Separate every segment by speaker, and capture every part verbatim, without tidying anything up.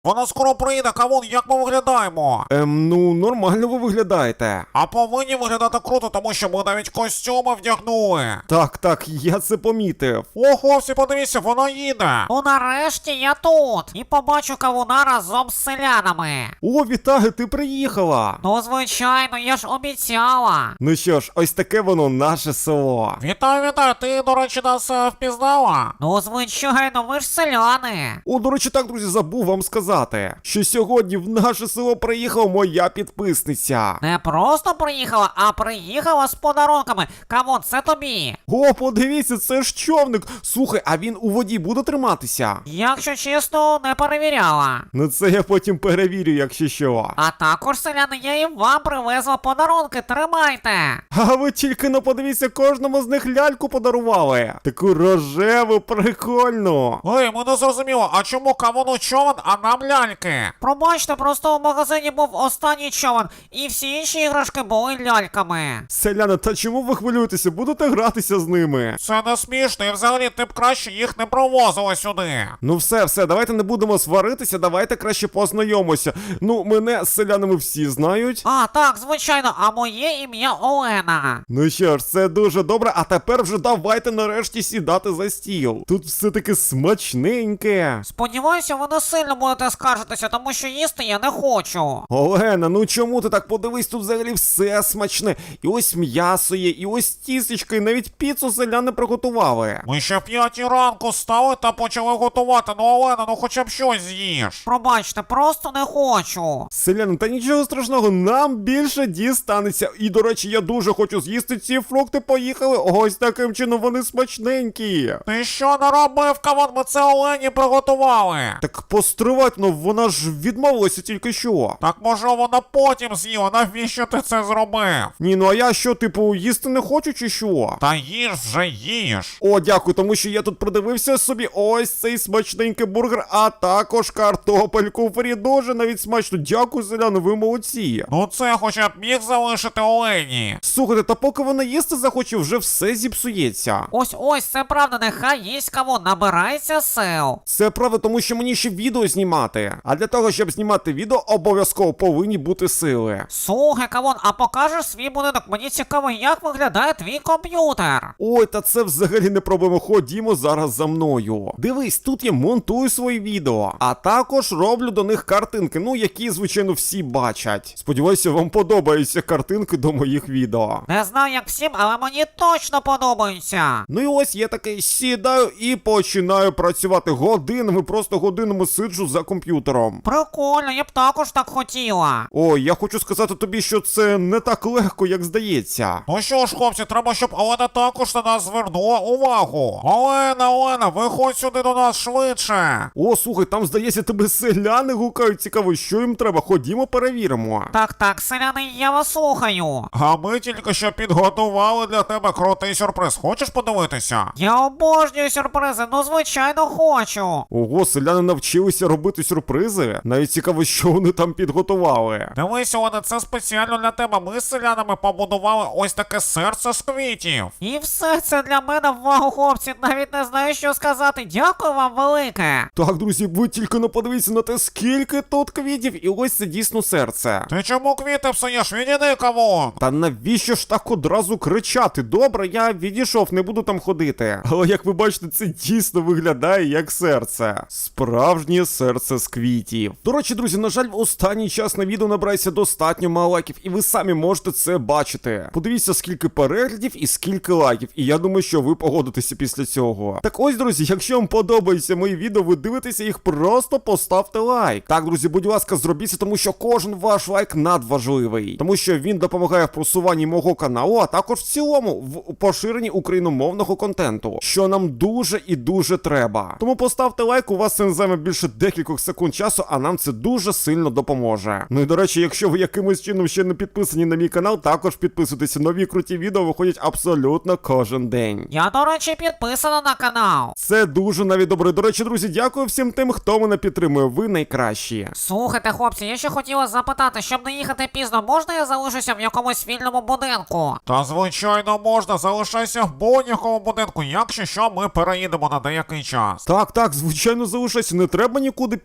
Speaker 1: Вона скоро прийде, Кавун, як ми виглядаємо?
Speaker 2: Ем, ну, нормально ви виглядаєте.
Speaker 1: А повинні виглядати круто, тому що ми навіть костюми вдягнули.
Speaker 2: Так, так, я це помітив.
Speaker 1: Ого, всі подивіться, вона їде.
Speaker 3: Ну нарешті я тут. І побачу Кавуна разом з селянами.
Speaker 2: О, вітаю, ти приїхала.
Speaker 3: Ну, звичайно, я ж обіцяла.
Speaker 2: Ну що ж, ось таке воно наше село.
Speaker 1: Вітаю, вітаю, ти, до речі, нас е, впізнала?
Speaker 3: Ну, звичайно, ви ж селяни.
Speaker 2: О, до речі, так, друзі, забув вам сказати, що сьогодні в наше село приїхала моя підписниця.
Speaker 3: Не просто приїхала, а приїхала з подарунками. Кавун, це тобі.
Speaker 2: О, подивіться, це ж човник. Слухай, а він у воді буде триматися?
Speaker 3: Якщо чесно, не перевіряла.
Speaker 2: Ну це я потім перевірю, якщо що.
Speaker 3: А також, селяни, я і вам привезла подарунки, тримайте.
Speaker 2: А ви тільки не подивіться, кожному з них ляльку подарували. Таку рожеву, прикольну.
Speaker 1: Ей, ми не зрозуміло, а чому Кавуну човен, а нам ляльки?
Speaker 3: Пробачте, просто в магазині був останній човен, і всі інші іграшки були ляльками.
Speaker 2: Селяни, та чому ви хвилюєтеся? Будете гратися з ними?
Speaker 1: Це не смішно, і взагалі ти б краще їх не провозили сюди.
Speaker 2: Ну все, все, давайте не будемо сваритися, давайте краще познайомимося. Ну, мене з селянами всі знають.
Speaker 3: А, так, звичайно, а моє ім'я Олена.
Speaker 2: Ну що ж, це дуже добре, а тепер вже давайте нарешті сідати за стіл. Тут все таки смачненьке.
Speaker 3: Сподіваюся, ви не сильно будете скаржитися, тому що їсти я не хочу.
Speaker 2: Олена, ну чому ти так? Подивись, тут взагалі все смачне. І ось м'ясо є, і ось тістечко, і навіть піцу селяни приготували.
Speaker 1: Ми ще в п'ятій ранку стали та почали готувати, ну Олена, ну хоча б щось з'їж.
Speaker 3: Пробачте, просто не хочу.
Speaker 2: Селяни, та нічого страшного, нам більше дістанеться. І, до речі, я дуже хочу з'їсти ці фрукти, поїхали. Ось таким чином вони смачненькі.
Speaker 1: Ти що наробив, Кавун? Ми це Олені приготували.
Speaker 2: Так постривать, ну вона ж відмовилася тільки що.
Speaker 1: Так може вона потім з'їла, навіщо ти це зробив?
Speaker 2: Ні, ну а я що, типу, їсти не хочу чи що?
Speaker 1: Та їж вже їж.
Speaker 2: О, дякую, тому що я тут придивився собі ось цей смачненький бургер, а також картопельку фрі. Дуже навіть смачно. Дякую, селяни, ви молодці.
Speaker 1: Ну це хоча б міг залишити Олені.
Speaker 2: Слухайте, та поки вона їсти захоче, вже все зіпсується.
Speaker 3: Ось ось, це правда, нехай їсть Кавун, набирається сил.
Speaker 2: Це правда, тому що мені ще відео знімати. А для того, щоб знімати відео, обов'язково повинні бути сили.
Speaker 3: Слухай, Кавун, а покажеш свій будинок? Мені цікаво, як виглядає твій комп'ютер.
Speaker 2: Ой, та це взагалі не проблема. Ходімо зараз за мною. Дивись, тут я монтую свої відео, а також роблю до них картинки, ну, які, звичайно, всі бачать. Сподіваюся, вам подобаються картинки до моїх відео.
Speaker 3: Не знаю, як всім, але мені точно подобаються.
Speaker 2: Ну і ось я таки сідаю і починаю працювати годинами, просто годинами сиджу за комп'ютером.
Speaker 3: Прикольно, я б також так хотіла.
Speaker 2: Ой, я хочу сказати тобі, що це не так легко, як здається.
Speaker 1: Ну що ж, хлопці, треба, щоб Олена також на нас звернула увагу. Олена, Олена, виходь сюди до нас швидше.
Speaker 2: О, слухай, там, здається, тебе селяни гукають. Цікаво, що їм треба? Ходімо, перевіримо.
Speaker 3: Так, так, селяни, я вас слухаю.
Speaker 1: А ми тільки що підготували для тебе крутий сюрприз. Хочеш подивитися?
Speaker 3: Я обожнюю сюрпризи, ну звичайно хочу.
Speaker 2: Ого, селяни навчилися робити сюрпризи? Навіть цікаво, що вони там підготували.
Speaker 1: Дивись, Олена, це спеціально для тебе. Ми з селянами побудували ось таке серце з квітів.
Speaker 3: І все це для мене, вау, хлопці, навіть не знаю, що сказати. Дякую вам велике.
Speaker 2: Так, друзі, ви тільки не подивіться на те, скільки тут квітів, і ось це дійсно серце.
Speaker 1: Ти чому квіти псуєш? Відійди, Кавун.
Speaker 2: Та навіщо ж так одразу кричати? Добре, я відійшов, не буду там ходити. Але як ви бачите, це дійсно виглядає як серце. Справжнє серце з квітів. До речі, друзі, на жаль, в останній час на відео набирається достатньо мало лайків, і ви самі можете це бачити. Подивіться, скільки переглядів і скільки лайків, і я думаю, що ви погодитеся після цього. Так ось, друзі, якщо вам подобаються мої відео, ви дивитеся їх, просто поставте лайк. Так, друзі, будь ласка, зробіть це, тому що кожен ваш лайк надважливий. Тому що він допомагає в просуванні мого каналу, а також в цілому в поширенні україномовного контенту, що нам дуже і дуже треба. Тому поставте лайк, у вас це не займе більше декількох секунд часу, а нам це дуже сильно допоможе. Ну і до речі, якщо ви якимось чином ще не підписані на мій канал, також підписуйтесь. Нові круті відео виходять абсолютно кожен день.
Speaker 3: Я, до речі, підписана на канал.
Speaker 2: Це дуже навіть добре. До речі, друзі, дякую всім тим, хто мене підтримує. Ви найкращі.
Speaker 3: Слухайте, хлопці, я ще хотіла запитати, щоб не їхати пізно, можна я залишуся в якомусь вільному будинку?
Speaker 1: Та звичайно можна, залишайся в будь-якому будинку, якщо що, ми переїдемо на деякий час.
Speaker 2: Так, так, звичайно, залишайся, не треба нікуди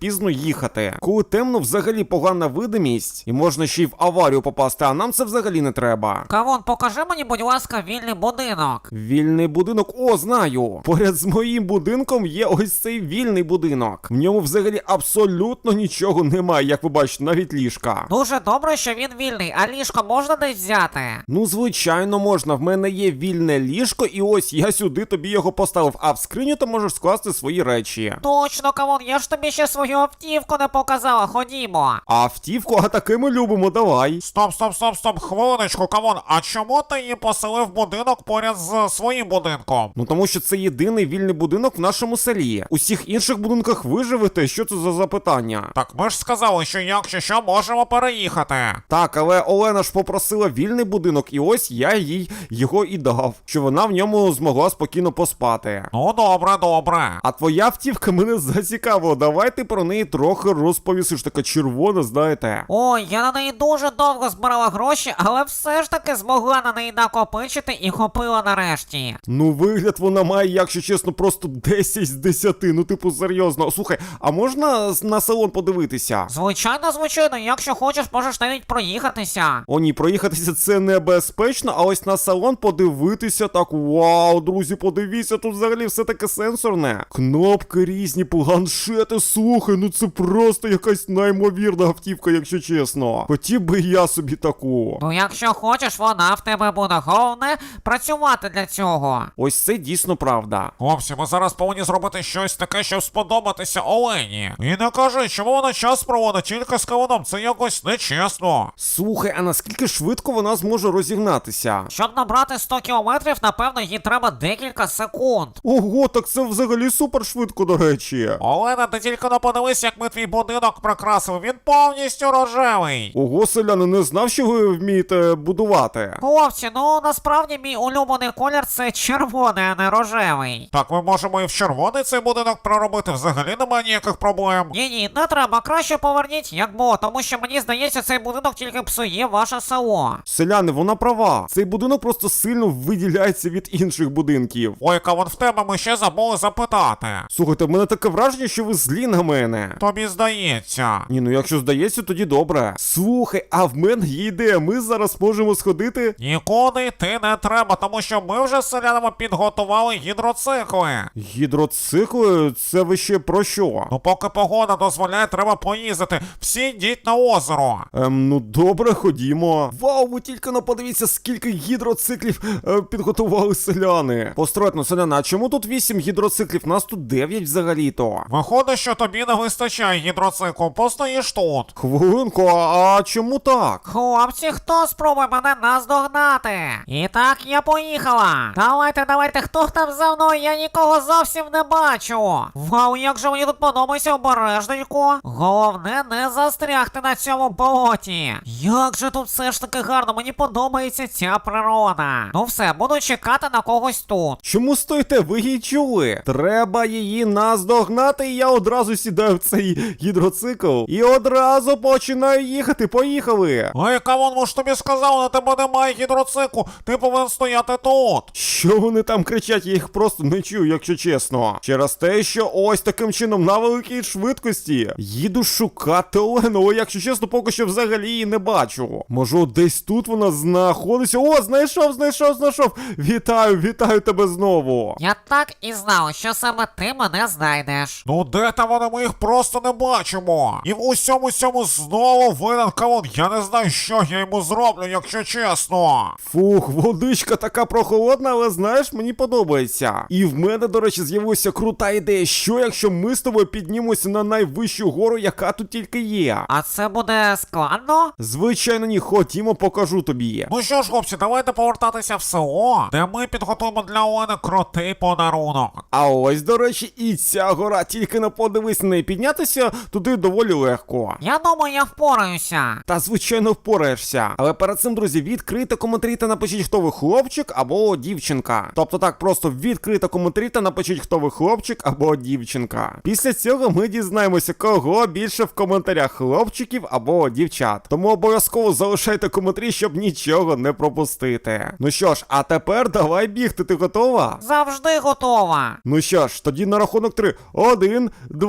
Speaker 2: пізно їхати. Коли темно, взагалі погана видимість, і можна ще й в аварію попасти, а нам це взагалі не треба.
Speaker 3: Кавун, покажи мені, будь ласка, вільний будинок.
Speaker 2: Вільний будинок, о, знаю. Поряд з моїм будинком є ось цей вільний будинок. В ньому взагалі абсолютно нічого немає, як ви бачите, навіть ліжка.
Speaker 3: Дуже добре, що він вільний, а ліжко можна десь взяти?
Speaker 2: Ну, звичайно, можна. В мене є вільне ліжко, і ось я сюди тобі його поставив, а в скриню ти можеш скласти свої речі.
Speaker 3: Точно, Кавун, я ж тобі ще свою автівку не показала, ходімо.
Speaker 2: А автівку, а таки ми любимо, давай.
Speaker 1: Стоп, стоп, стоп, стоп, хвилиночку, Кавун, а чому ти її поселив в будинок поряд з своїм будинком?
Speaker 2: Ну тому що це єдиний вільний будинок в нашому селі. У всіх інших будинках ви живете, що це за запитання?
Speaker 1: Так ми ж сказали, що якщо що, можемо переїхати.
Speaker 2: Так, але Олена ж попросила вільний будинок, і ось я їй його і дав, що вона в ньому змогла спокійно поспати.
Speaker 1: Ну добре, добре.
Speaker 2: А твоя автівка мене зацікавила, давай ти про неї трохи розповісиш, така червона, знаєте.
Speaker 3: Ой, я на неї дуже довго збирала гроші, але все ж таки змогла на неї накопичити і купила нарешті.
Speaker 2: Ну, вигляд вона має, якщо чесно, просто десять з десяти, ну типу серйозно. Слухай, а можна на салон подивитися?
Speaker 3: Звичайно, звичайно, якщо хочеш, можеш навіть проїхатися.
Speaker 2: О ні, проїхатися це небезпечно, а ось на салон подивитися так, вау, друзі, подивіться, тут взагалі все таке сенсорне. Кнопки різні, планшети, слухай, ну це просто якась неймовірна автівка, якщо чесно. Хотів би я собі таку.
Speaker 3: Ну, якщо хочеш, вона в тебе буде. Головне працювати для цього.
Speaker 2: Ось це дійсно правда.
Speaker 1: Хлопці, ми зараз повинні зробити щось таке, щоб сподобатися Олені. І не кажи, чому вона час проводить тільки з Кавуном, це якось нечесно.
Speaker 2: Слухай, а наскільки швидко вона зможе розігнатися?
Speaker 3: Щоб набрати сто кілометрів, напевно, їй треба декілька секунд.
Speaker 2: Ого, так це взагалі супер швидко, до речі.
Speaker 1: Олена, ти тільки не подивись, як ми твій будинок прикрасили, він повністю рожевий.
Speaker 2: Ого, селяни, не знав, що ви вмієте будувати.
Speaker 3: Хлопці, ну насправді мій улюблений колір це червоний, а не рожевий.
Speaker 1: Так, ми можемо і в червоний цей будинок проробити, взагалі немає ніяких проблем.
Speaker 3: Ні-ні, не треба, краще поверніть, як було, тому що мені здається, цей будинок тільки псує ваше село.
Speaker 2: Селяни, вона права. Цей будинок просто сильно виділяється від інших будинків.
Speaker 1: Ой, Кавун, в тебе ми ще забули запитати.
Speaker 2: Слухайте, в мене таке враження, що ви злі на мене.
Speaker 1: Тобі здається.
Speaker 2: Ні, ну якщо здається, тоді добре. Слухай, а в мене є ідея, ми зараз можемо сходити.
Speaker 1: Нікуди йти не треба, тому що ми вже з селянами підготували гідроцикли.
Speaker 2: Гідроцикли? Це ви ще про що?
Speaker 1: Ну поки погода дозволяє, треба поїздити. Всі йдіть на озеро.
Speaker 2: Ем, ну добре, ходімо. Вау, ви тільки не подивіться, скільки гідроциклів е, підготували селяни. Постройно, селяна, а чому тут вісім гідроциклів? Нас тут дев'ять взагалі-то.
Speaker 1: Виходить, що тобі не вистачає гідроциклу, постоїш тут.
Speaker 2: Хвилинку, а, а чому так?
Speaker 3: Хлопці, хто спробує мене наздогнати? І так, я поїхала. Давайте, давайте, хто там за мною? Я нікого зовсім не бачу. Вау, як же мені тут подобається, обережненько. Головне не застрягти на цьому болоті. Як же тут все ж таки гарно, мені подобається ця природа. Ну все, буду чекати на когось тут.
Speaker 2: Чому стоїте? Ви її чули? Треба її наздогнати, і я одразу сідаю в цей гідроцикл. І одразу починаю їхати. Поїхали!
Speaker 1: Ой, Кавун, ми ж тобі сказали, на тебе немає гідроциклу, ти повинен стояти тут.
Speaker 2: Що вони там кричать? Я їх просто не чую, якщо чесно. Через те, що ось таким чином на великій швидкості їду шукати Олену, але якщо чесно, поки що взагалі її не бачу. Може, десь тут вона знаходиться. О, знайшов, знайшов, знайшов. Вітаю, вітаю тебе знову.
Speaker 3: Я так і знав, що саме ти мене знайдеш.
Speaker 1: Ну де там вони, ми їх просто не бачимо. І в усьому цьому знову винен Кавун. Я не знаю, що я йому зроблю, якщо чесно.
Speaker 2: Фух, водичка така прохолодна, але знаєш, мені подобається. І в мене, до речі, з'явилася крута ідея, що якщо ми з тобою піднімемося на найвищу гору, яка тут тільки є.
Speaker 3: А це буде складно?
Speaker 2: Звичайно, ні, ходімо, покажу тобі.
Speaker 1: Ну що ж, хлопці, давайте повертатися в село, де ми підготуємо для Олени крутий подарунок.
Speaker 2: А ось, до речі, і ця гора, тільки не подивись на неї, піднятися туди доволі легко.
Speaker 3: Я думаю, я впораюся.
Speaker 2: Та, звичайно, впораєшся. Але перед цим, друзі, відкрийте коментарі та напишіть, хто ви хлопчик або дівчинка. Тобто так, просто відкрийте коментарі та напишіть, хто ви хлопчик або дівчинка. Після цього ми дізнаємося, кого більше в коментарях, хлопчиків або дівчат. Тому обов'язково залишайте коментарі, щоб нічого не пропустити. Ну що ж, а тепер давай бігти, ти готова?
Speaker 3: Завжди готова.
Speaker 2: Ну що ж, тоді на рахунок три. Один, два,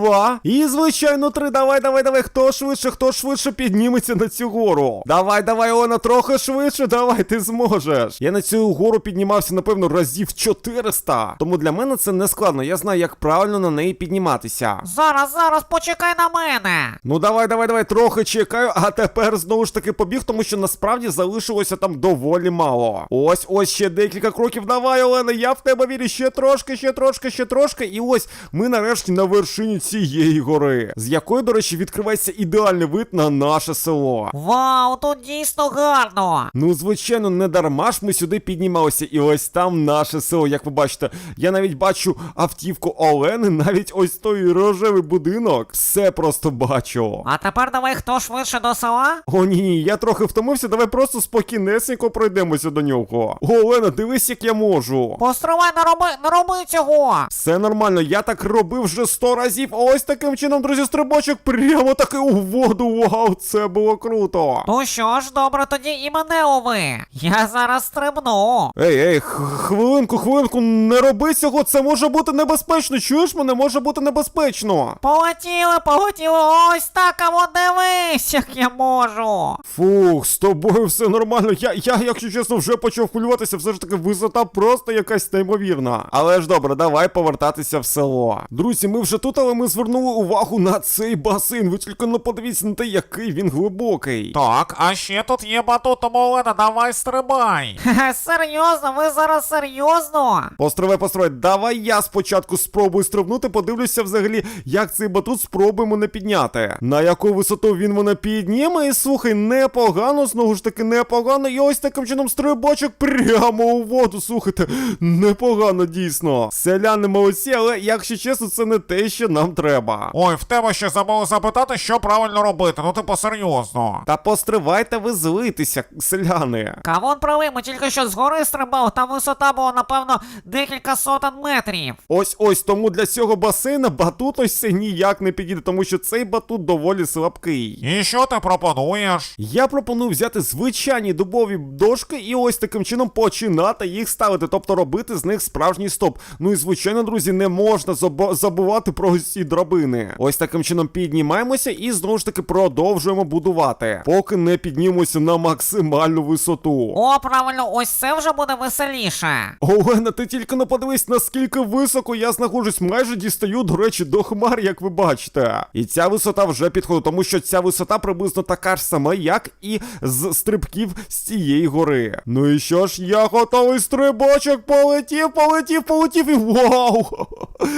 Speaker 2: І, звичайно, три. Давай, давай, давай. Хто швидше, хто швидше підніметься на цю гору. Давай, давай, Олена, трохи швидше. Давай, ти зможеш. Я на цю гору піднімався, напевно, разів чотириста. Тому для мене це не складно. Я знаю, як правильно на неї підніматися.
Speaker 3: Зараз, зараз, почекай на мене.
Speaker 2: Ну давай, давай, давай, трохи чекаю, а тепер знову ж таки побіг, тому що насправді залишилося там доволі мало. Ось, ось ще декілька кроків. Давай, Олена, я в тебе вірю. Ще трошки, ще трошки, ще трошки. І ось ми нарешті на вершині цієї гори, з якої, до речі, відкривається ідеальний вид на наше село.
Speaker 3: Вау, тут дійсно гарно.
Speaker 2: Ну, звичайно, не дарма ж ми сюди піднімалися. І ось там наше село, як ви бачите. Я навіть бачу автівку Олени, навіть ось той рожевий будинок. Все просто бачу.
Speaker 3: А тепер давай, хто швидше до села?
Speaker 2: О, ні, ні, я трохи втомився, давай просто спокійнесенько пройдемося до нього. О, Олена, дивись, як я можу.
Speaker 3: Постривай, не роби, не роби цього.
Speaker 2: Все нормально, я так робив вже сто разів. Ось таким чином, друзі, стрибочок прямо таки у воду. Вау, це було круто.
Speaker 3: Ну що ж, добре, тоді і мене лови. Я зараз стрибну.
Speaker 2: Ей, ей, х- хвилинку, хвилинку, не роби цього, це може бути небезпечно. Чуєш мене, може бути небезпечно.
Speaker 3: Полетіли, полетіли, ось так, а вон дивись, як я можу.
Speaker 2: Фух, з тобою все нормально. Я, я, якщо чесно, вже почав хвилюватися. Все ж таки висота просто якась неймовірна. Але ж добре, давай повертатися в село. Друзі, ми вже тут, але ми звернули увагу на цей басейн. Ви тільки не подивіться на те, який він глибокий.
Speaker 1: Так, а ще тут є батут, тому Олена, давай стрибай.
Speaker 3: Хе-хе, серйозно, ви зараз серйозно?
Speaker 2: Постривай, постривай, давай я спочатку спробую стрибнути, подивлюся взагалі, як цей батут спробуємо не підняти. На яку висоту він мене підніме, і слухай, непогано, знову ж таки непогано, і ось таким чином стрибочок прямо у воду, слухайте, непогано дійсно. Селяни молодці, але якщо чесно, це не те, що нам треба.
Speaker 1: Ой, в тебе ще забули запитати, що правильно робити, ну типу серйозно.
Speaker 2: Та постривайте ви злитися, селяни.
Speaker 3: Кавун правий, ми тільки що згори стрибав, там висота була, напевно, декілька сотень метрів.
Speaker 2: Ось ось тому для цього басейна батут ось це ніяк не підійде, тому що цей батут доволі слабкий.
Speaker 1: І що ти пропонуєш?
Speaker 2: Я пропоную взяти звичайні дубові дошки і ось таким чином починати їх ставити, тобто робити з них справжній стоп. Ну і звичайно, друзі, не можна забу- забувати про ось ці драбини. Ось таким чином піднімаємося і знову ж таки продовжуємо будувати, поки не піднімемося на максимальну висоту.
Speaker 3: О, правильно, ось це вже буде веселіше.
Speaker 2: Олена, ти тільки не подивись, наскільки високо я знаходжусь, майже дістаю, до речі, до хмар, як ви бачите. І ця висота вже підходить, тому що ця висота приблизно така ж сама, як і з стрибків з цієї гори. Ну і що ж, я готовий, стрибочок, полетів, полетів, полетів і вау!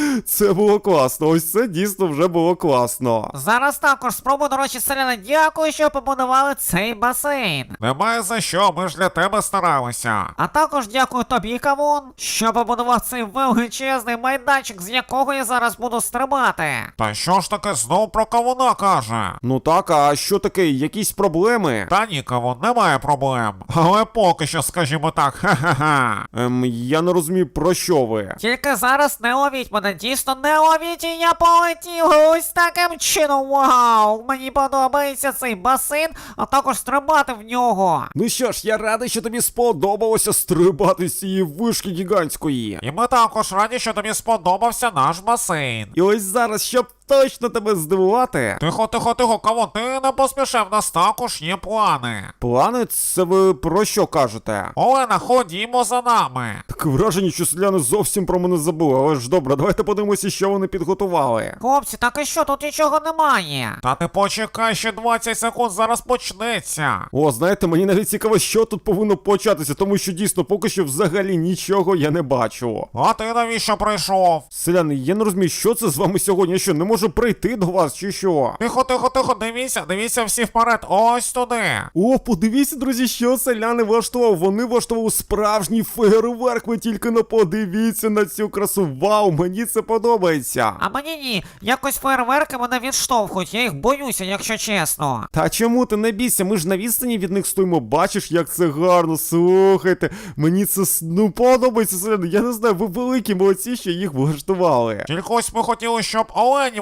Speaker 2: Це було класно, ось це дійсно вже було класно.
Speaker 3: Зараз також спробую, до речі, селяни, дякую, що побудували цей басейн.
Speaker 1: Немає за що, ми ж для тебе старалися.
Speaker 3: А також дякую тобі, Кавун, що побудував цей величезний майданчик, з якого я зараз буду стрибати.
Speaker 1: Та що ж таке знов про кавуна каже?
Speaker 2: Ну так, а що таке, якісь проблеми?
Speaker 1: Та ні, кавун, немає проблем. Але поки що, скажімо так, ха-ха-ха.
Speaker 2: Ем, я не розумію, про що ви.
Speaker 3: Тільки зараз не ловіть мене, дійсно не ловіть, і я полетів ось таким чином. Вау! Мені подобається цей басейн, а також стрибати в нього.
Speaker 2: Ну що ж, я радий, що тобі сподобалося стрибати з цієї вишки гігантської.
Speaker 1: І ми також раді, що тобі сподобався наш басейн.
Speaker 2: І ось зараз, щоб точно тебе здивувати.
Speaker 1: Тихо, тихо, тихо, кавун, ти не поспішай, в нас також є плани.
Speaker 2: Плани, це ви про що кажете?
Speaker 1: Олена, ходімо за нами.
Speaker 2: Таке враження, що селяни зовсім про мене забули, але ж добре, давайте подивимося, що вони підготували.
Speaker 3: Хлопці, так і що, тут нічого немає.
Speaker 1: Та ти почекай, ще двадцять секунд, зараз почнеться.
Speaker 2: О, знаєте, мені навіть цікаво, що тут повинно початися, тому що дійсно поки що взагалі нічого я не бачу.
Speaker 1: А ти навіщо прийшов?
Speaker 2: Селяни, я не розумію, що це з вами сьогодні, я що, не можу прийти до вас, чи що?
Speaker 1: Тихо, тихо, тихо, дивіться, дивіться всі вперед, ось туди.
Speaker 2: О, подивіться, друзі, що селяни влаштували. Вони влаштували справжній фейерверк. Ви тільки не подивіться на цю красу. Вау, мені це подобається.
Speaker 3: А мені ні, якось фейерверки мене відштовхують, я їх боюся, якщо чесно.
Speaker 2: Та чому ти не бійся? Ми ж на відстані від них стоїмо. Бачиш, як це гарно. Слухайте, мені це ну подобається, селяни. Я не знаю, ви великі молодці, що їх влаштували.
Speaker 1: Тільки ось ми хотіли, щоб Олені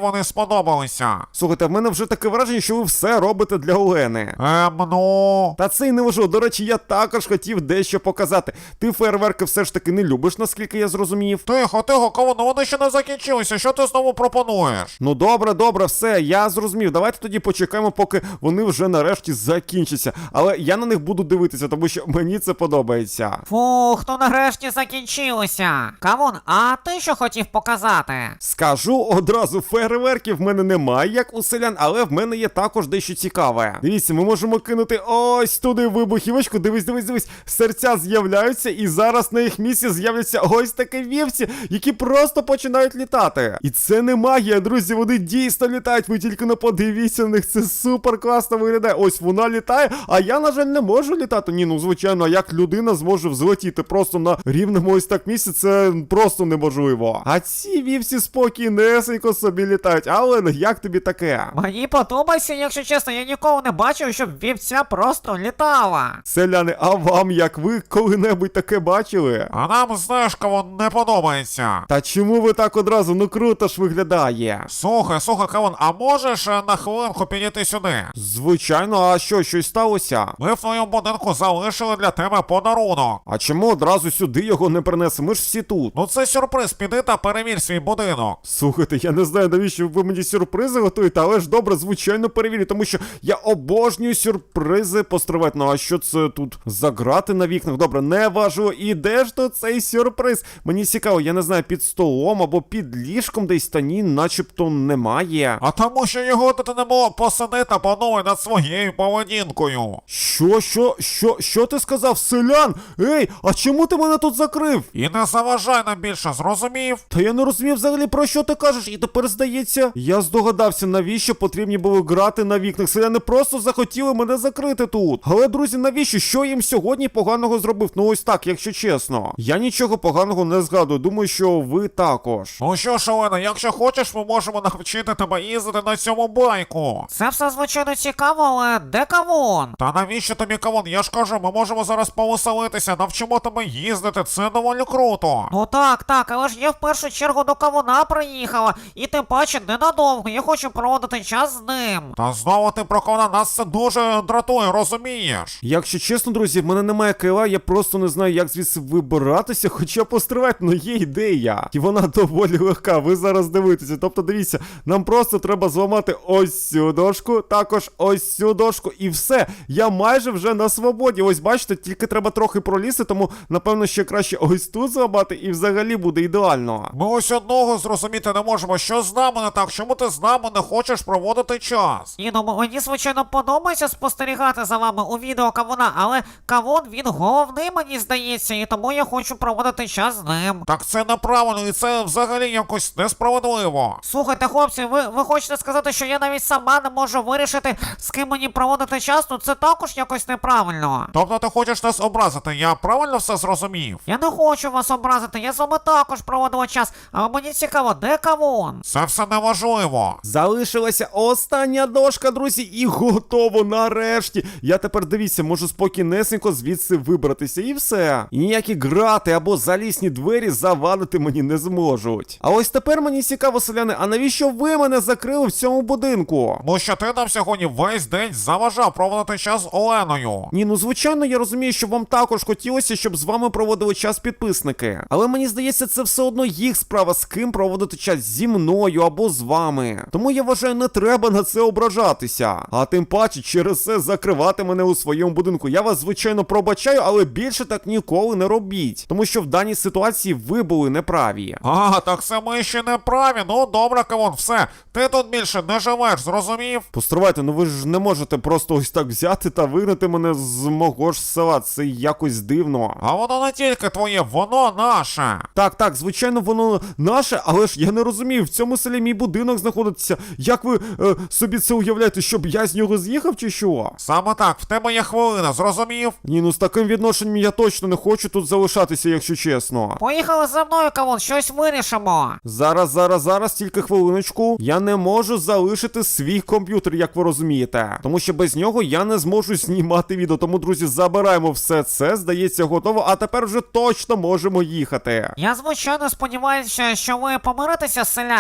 Speaker 1: вони сподобалися.
Speaker 2: Слухайте, в мене вже таке враження, що ви все робите для Олени.
Speaker 1: Ем, ну...
Speaker 2: Та це й не важливо. До речі, я також хотів дещо показати. Ти фейерверки все ж таки не любиш, наскільки я зрозумів.
Speaker 1: Тихо, тихо, кавун, ну вони ще не закінчилися, що ти знову пропонуєш?
Speaker 2: Ну добре, добре, все, я зрозумів. Давайте тоді почекаємо, поки вони вже нарешті закінчаться. Але я на них буду дивитися, тому що мені це подобається.
Speaker 3: Фух, то нарешті закінчилося. Кавун, а ти що хотів показати?
Speaker 2: Скажу одразу, фейерверків в мене немає, як у селян, але в мене є також дещо цікаве. Дивіться, ми можемо кинути ось туди вибухівочку, дивись, дивись, дивись, серця з'являються, і зараз на їх місці з'являться ось такі вівці, які просто починають літати. І це не магія, друзі, вони дійсно літають, ви тільки не подивіться на них, це супер класно виглядає. Ось вона літає, а я, на жаль, не можу літати. Ні, ну звичайно, а як людина зможе взлетіти просто на рівному ось так місці, це просто неможливо. А ці вівці спокійнесенько собі літають. Але як тобі таке?
Speaker 3: Мені подобається, якщо чесно, я ніколи не бачив, щоб вівця просто літала.
Speaker 2: Селяни, а вам як? Ви коли-небудь таке бачили?
Speaker 1: А нам, знаєш, кавун, не подобається.
Speaker 2: Та чому ви так одразу? Ну круто ж виглядає.
Speaker 1: Слухай, слухай, кавун, а можеш е, на хвилинку підійти сюди?
Speaker 2: Звичайно, а що, щось сталося?
Speaker 1: Ми в твоєму будинку залишили для тебе подарунок.
Speaker 2: А чому одразу сюди його не принесли? Ми ж всі тут.
Speaker 1: Ну це сюрприз, піди та перевір свій будинок.
Speaker 2: Слухайте, я не знаю, навіщо ви мені сюрпризи готуєте, але ж добре, звичайно, перевірю, тому що я обожнюю сюрпризи постривати. Ну а що це тут за грати на вікнах? Добре, не важливо. І де ж то цей сюрприз? Мені цікаво, я не знаю, під столом або під ліжком десь, та ні, начебто немає.
Speaker 1: А тому, що його тут не було, посиди та подумай над своєю поведінкою.
Speaker 2: Що, що, що, що ти сказав, селян? Ей, а чому ти мене тут закрив?
Speaker 1: І не заважай нам більше, зрозумів?
Speaker 2: Та я не розумів взагалі, про що ти кажеш, і тепер здається, я здогадався, навіщо потрібні були грати на вікнах. Селяни просто захотіли мене закрити тут. Але, друзі, навіщо? Що їм сьогодні поганого зробив? Ну ось так, якщо чесно. Я нічого поганого не згадую, думаю, що ви також.
Speaker 1: Ну що ж, Олена, якщо хочеш, ми можемо навчити тебе їздити на цьому байку.
Speaker 3: Це все звичайно цікаво, але де кавун?
Speaker 1: Та навіщо тобі кавун? Я ж кажу, ми можемо зараз повеселитися, навчимо тебе їздити, це доволі круто.
Speaker 3: Ну так, так, але ж я в першу чергу до кавуна приїхала, і тим паче ненадовго, я хочу проводити час з ним.
Speaker 1: Та знову ти про кавуна, нас це дуже дратує, розумієш?
Speaker 2: Якщо чесно, друзі, в мене немає крила, я просто не знаю, як звідси вибиратися, хоча постривати, ну є ідея. І вона доволі легка, ви зараз дивитеся. Тобто, дивіться, нам просто треба зламати ось цю дошку, також ось цю дошку, і все. Я майже вже на свободі. Ось бачите, тільки треба трохи пролізти, тому, напевно, ще краще ось тут зламати, і взагалі буде ідеально.
Speaker 1: Ми ось одного зрозуміти не можемо, що з нами не так, чому ти з нами не хочеш проводити час?
Speaker 3: Ні, ну мені, звичайно, подобається спостерігати за вами у відео кавуна, але кавун, він головний, мені здається, і тому я хочу проводити час з ним.
Speaker 1: Так це неправильно, і це взагалі якось несправедливо.
Speaker 3: Слухайте, хлопці, ви, ви хочете сказати, що я навіть сама не можу вирішити, з ким мені проводити час? Ну це також якось неправильно.
Speaker 1: Тобто ти хочеш нас образити, я правильно все зрозумів?
Speaker 3: Я не хочу вас образити, я з вами також проводила час, але мені цікаво, де кавун?
Speaker 1: Це все неважливо.
Speaker 2: Залишилася остання дошка, друзі, і готово нарешті. Я тепер, дивіться, можу спокійнесенько звідси вибратися, і все. І ніякі грати або залісні двері завадити мені не зможуть. А ось тепер мені цікаво, селяни, а навіщо ви мене закрили в цьому будинку?
Speaker 1: Тому що ти нам сьогодні весь день заважав проводити час з Оленою.
Speaker 2: Ні, ну звичайно, я розумію, що вам також хотілося, щоб з вами проводили час підписники. Але мені здається, це все одно їх справа, з ким проводити час, зі мною або з вами. Тому я вважаю, не треба на це ображатися. А тим паче через це закривати мене у своєму будинку. Я вас, звичайно, пробачаю, але більше так ніколи не робіть. Тому що в даній ситуації ви були неправі.
Speaker 1: А, так це ми ще не праві. Ну добре, кавун, все. Ти тут більше не живеш, зрозумів?
Speaker 2: Постривайте, ну ви ж не можете просто ось так взяти та вигнати мене з мого ж села. Це якось дивно.
Speaker 1: А воно не тільки твоє, воно наше.
Speaker 2: Так, так, звичайно, воно наше, але ж я не розумію, в цьому селі мій будинок знаходиться. Як ви е, собі це уявляєте, щоб я з нього з'їхав чи що?
Speaker 1: Саме так, в тебе є хвилина, зрозумів?
Speaker 2: Ні, ну з таким відношенням я точно не хочу тут залишатися, якщо чесно.
Speaker 3: Поїхали за мною, кавун, щось вирішимо.
Speaker 2: Зараз, зараз, зараз, тільки хвилиночку. Я не можу залишити свій комп'ютер, як ви розумієте. Тому що без нього я не зможу знімати відео. Тому, друзі, забираємо все це, здається, готово. А тепер вже точно можемо їхати.
Speaker 3: Я, звичайно, сподіваюся, що ви помиритеся з селянами.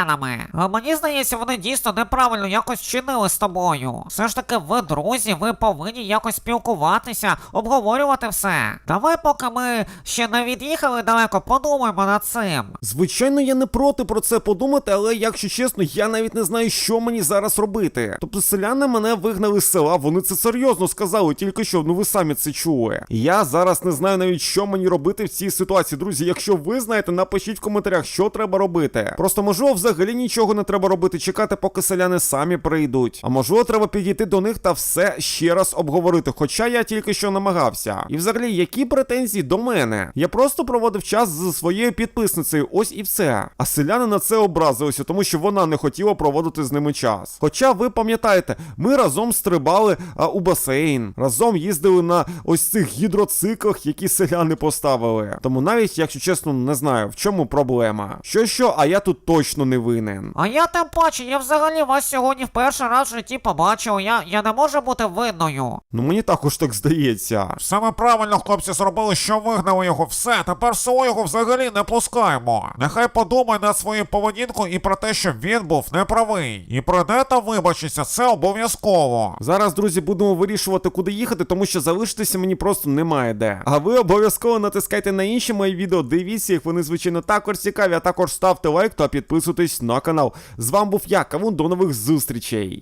Speaker 3: А мені здається, вони дійсно неправильно якось вчинили з тобою. Все ж таки, ви друзі, ви повинні якось спілкуватися, обговорювати все. Давай, поки ми ще не від'їхали далеко, подумаємо над цим.
Speaker 2: Звичайно, я не проти про це подумати, але якщо чесно, я навіть не знаю, що мені зараз робити. Тобто селяни мене вигнали з села, вони це серйозно сказали, тільки що, ну ви самі це чули. Я зараз не знаю навіть, що мені робити в цій ситуації. Друзі, якщо ви знаєте, напишіть в коментарях, що треба робити. Просто можливо взагалі нічого не треба робити, чекати, поки селяни самі прийдуть. А можливо, треба підійти до них та все ще раз обговорити, хоча я тільки що намагався. І взагалі, які претензії до мене? Я просто проводив час зі своєю підписницею, ось і все. А селяни на це образилися, тому що вона не хотіла проводити з ними час. Хоча ви пам'ятаєте, ми разом стрибали а, у басейн, разом їздили на ось цих гідроциклах, які селяни поставили. Тому навіть, якщо чесно, не знаю, в чому проблема. Що-що, а я тут точно не винен.
Speaker 3: А я тим паче, я взагалі вас сьогодні в перший раз в житті побачив, я, я не можу бути винною.
Speaker 2: Ну мені також так здається.
Speaker 1: Саме правильно хлопці зробили, що вигнали його. Все, тепер в село його взагалі не пускаємо. Нехай подумає над своєю поведінкою і про те, що він був неправий. І прийде та вибачиться, це обов'язково.
Speaker 2: Зараз, друзі, будемо вирішувати, куди їхати, тому що залишитися мені просто немає де. А ви обов'язково натискайте на інші мої відео, дивіться їх, вони, звичайно, також цікаві, а також ставте лайк та підписуйтесь на канал. З вами був я, Кавун, до нових зустрічей.